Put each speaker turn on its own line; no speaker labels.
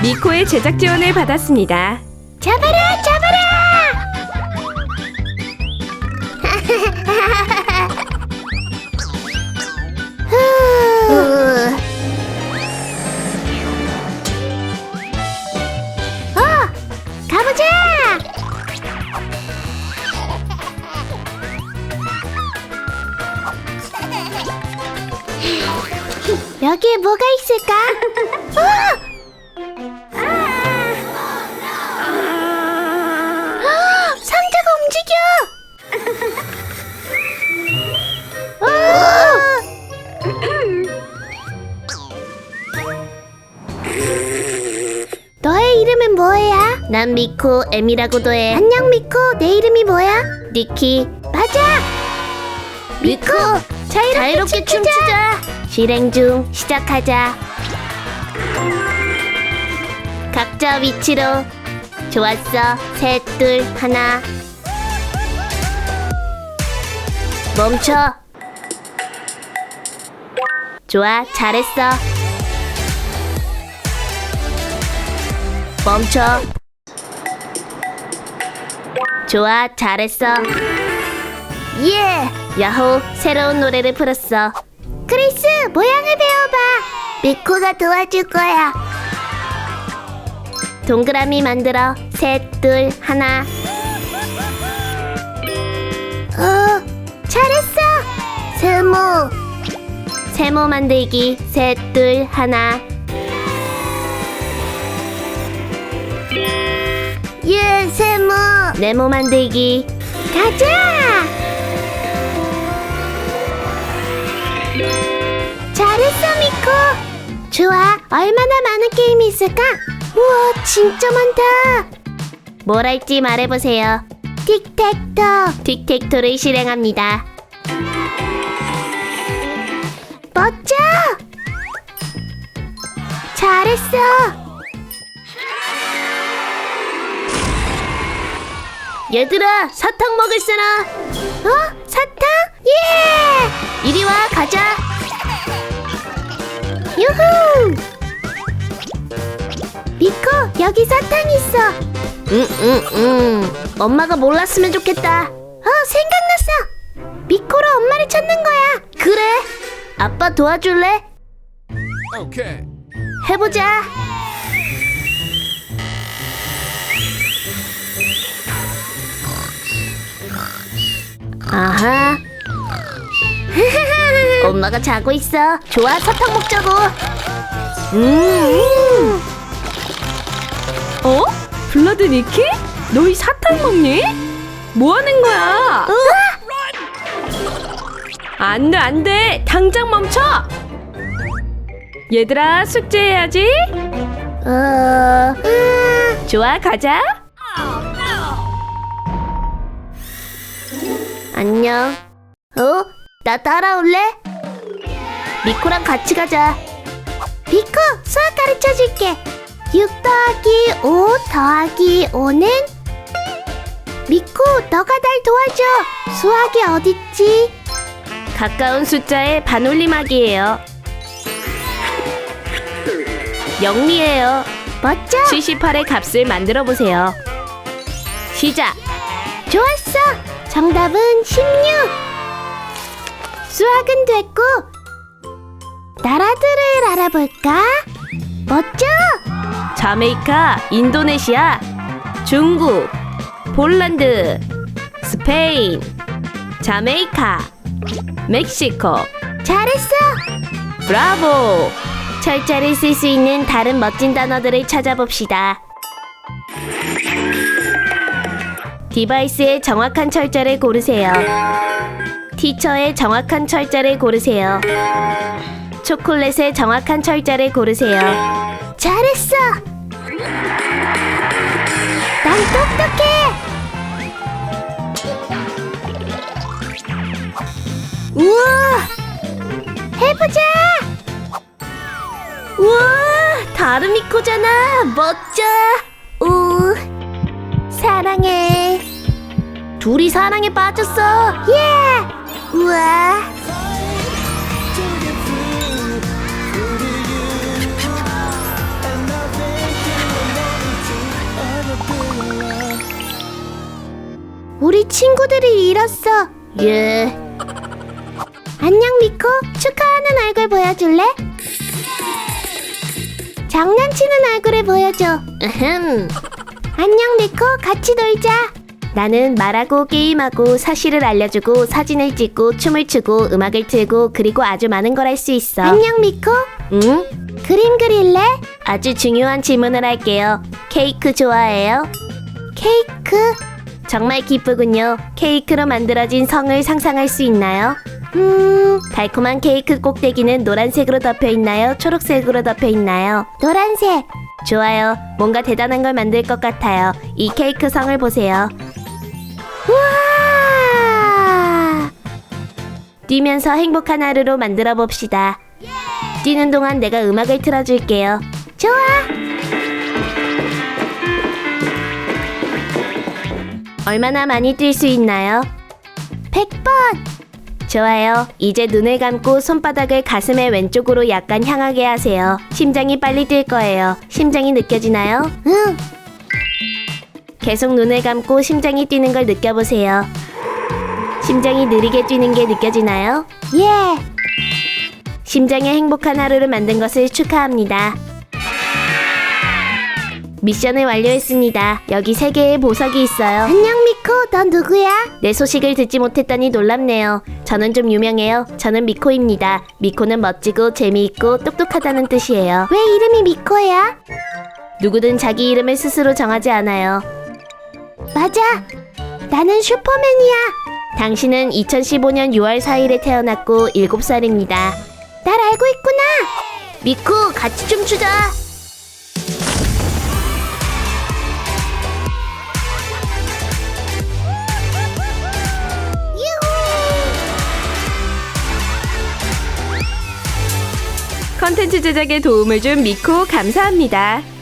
미코의 제작 지원을 받았습니다.
잡아라, 잡아라! 가보자! 여기에 뭐가 있을까? 상자가 움직여! 너의 이름은 뭐야? 난 미코, M이라고도 해. 안녕 미코, 내 이름이 뭐야? 니키. 맞아! 미코, 자유롭게 춤추자! 실행 중, 시작하자. 각자 위치로. 좋았어. 셋, 둘, 하나. 멈춰. 좋아, 잘했어. 멈춰. 좋아, 잘했어. 예! 야호, 새로운 노래를 풀었어. 크리스, 모양을 배워봐. 미코가 도와줄 거야. 동그라미 만들어. 셋, 둘, 하나. 잘했어. 세모. 세모 만들기. 셋, 둘, 하나. 예, 세모. 네모 만들기. 가자. 잘했어, 미코. 좋아. 얼마나 많은 게임이 있을까? 우와, 진짜 많다. 뭘 할지 말해보세요. 틱택토. 틱택토를 실행합니다. 멋져. 잘했어. 얘들아, 사탕 먹을 사람. 사탕? 예! 이리 와, 가자. 유후! 미코, 여기 사탕 있어. 엄마가 몰랐으면 좋겠다. 생각났어. 미코로 엄마를 찾는 거야. 그래. 아빠 도와줄래?
오케이.
해보자. 아하. 엄마가 자고 있어. 좋아, 사탕 먹자고.
블러드 니키? 너희 사탕 먹니? 뭐 하는 거야? 안 돼, 안 돼. 당장 멈춰. 얘들아, 숙제해야지. 좋아, 가자.
안녕. 나 따라올래? 미코랑 같이 가자. 미코, 수학 가르쳐줄게. 6 더하기 5 더하기 5는? 미코, 너가 날 도와줘. 수학이 어딨지?
가까운 숫자의 반올림하기예요. 영리해요.
멋져.
78의 값을 만들어 보세요. 시작.
좋았어. 정답은 16. 수학은 됐고 나라들을 알아볼까? 멋져.
자메이카, 인도네시아, 중국, 폴란드, 스페인, 자메이카, 멕시코.
잘했어.
브라보!
철자를 쓸 수 있는 다른 멋진 단어들을 찾아봅시다.
디바이스의 정확한 철자를 고르세요. 티처의 정확한 철자를 고르세요. 초콜릿의 정확한 철자를 고르세요.
잘했어. 난 똑똑해. 우와. 해보자.
우와, 다르미코잖아. 멋져.
우. 사랑해.
둘이 사랑에 빠졌어.
예. 우와. 친구들을 잃었어. 예. 안녕 미코. 축하하는 얼굴 보여줄래? 장난치는 얼굴을 보여줘. 안녕 미코. 같이 놀자. 나는 말하고 게임하고 사실을 알려주고 사진을 찍고 춤을 추고 음악을 틀고 그리고 아주 많은 걸 할 수 있어. 안녕 미코. 응? 그림 그릴래? 아주 중요한 질문을 할게요. 케이크 좋아해요? 케이크? 정말 기쁘군요. 케이크로 만들어진 성을 상상할 수 있나요? 달콤한 케이크 꼭대기는 노란색으로 덮여 있나요? 초록색으로 덮여 있나요? 노란색. 좋아요. 뭔가 대단한 걸 만들 것 같아요. 이 케이크 성을 보세요. 우와! 뛰면서 행복한 하루로 만들어 봅시다. 뛰는 동안 내가 음악을 틀어줄게요. 좋아! 얼마나 많이 뛸 수 있나요? 100번! 좋아요. 이제 눈을 감고 손바닥을 가슴의 왼쪽으로 약간 향하게 하세요. 심장이 빨리 뛸 거예요. 심장이 느껴지나요? 응! 계속 눈을 감고 심장이 뛰는 걸 느껴보세요. 심장이 느리게 뛰는 게 느껴지나요? 예! 심장의 행복한 하루를 만든 것을 축하합니다. 미션을 완료했습니다. 여기 3개의 보석이 있어요. 안녕 미코, 넌 누구야? 내 소식을 듣지 못했다니 놀랍네요. 저는 좀 유명해요. 저는 미코입니다. 미코는 멋지고 재미있고 똑똑하다는 뜻이에요. 왜 이름이 미코야? 누구든 자기 이름을 스스로 정하지 않아요. 맞아! 나는 슈퍼맨이야! 당신은 2015년 6월 4일에 태어났고 7살입니다. 날 알고 있구나! 미코, 같이 춤추자!
컨텐츠 제작에 도움을 준 미코 감사합니다.